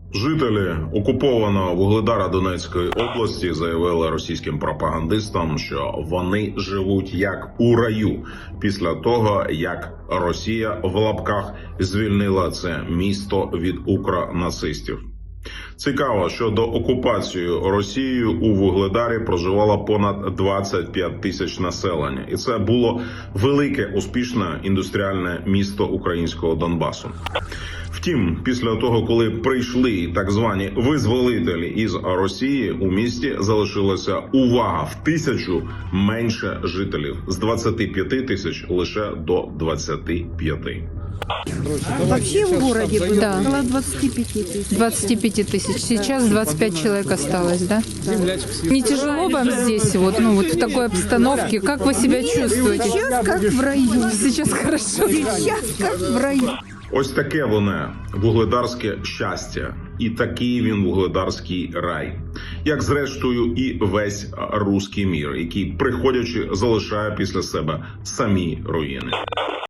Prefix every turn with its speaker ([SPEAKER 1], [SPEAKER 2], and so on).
[SPEAKER 1] Жителі окупованого Вугледара Донецької області заявили російським пропагандистам, що вони живуть як у раю після того, як Росія в лапках звільнила це місто від укронацистів. Цікаво, що до окупації Росією у Вугледарі проживало понад 25 тисяч населення. І це було велике, успішне індустріальне місто українського Донбасу. Втім, після того, коли прийшли так звані визволителі із Росії, у місті залишилося, увага, в 1000 менше жителів. З 25 тисяч лише до 25.
[SPEAKER 2] Вообще в городе было
[SPEAKER 3] Да.
[SPEAKER 2] около 25 тысяч.
[SPEAKER 3] 25 тысяч. Сейчас 25 человек осталось, да? Не тяжело вам здесь, вот в такой обстановке? Как вы себя чувствуете?
[SPEAKER 2] Сейчас как в раю.
[SPEAKER 3] Сейчас хорошо.
[SPEAKER 2] Сейчас как в раю.
[SPEAKER 1] Ось таке воно вугледарське щастя. І такий він вугледарський рай. Як зрештою і весь руський мір, який, приходячи, залишає після себе самі руїни.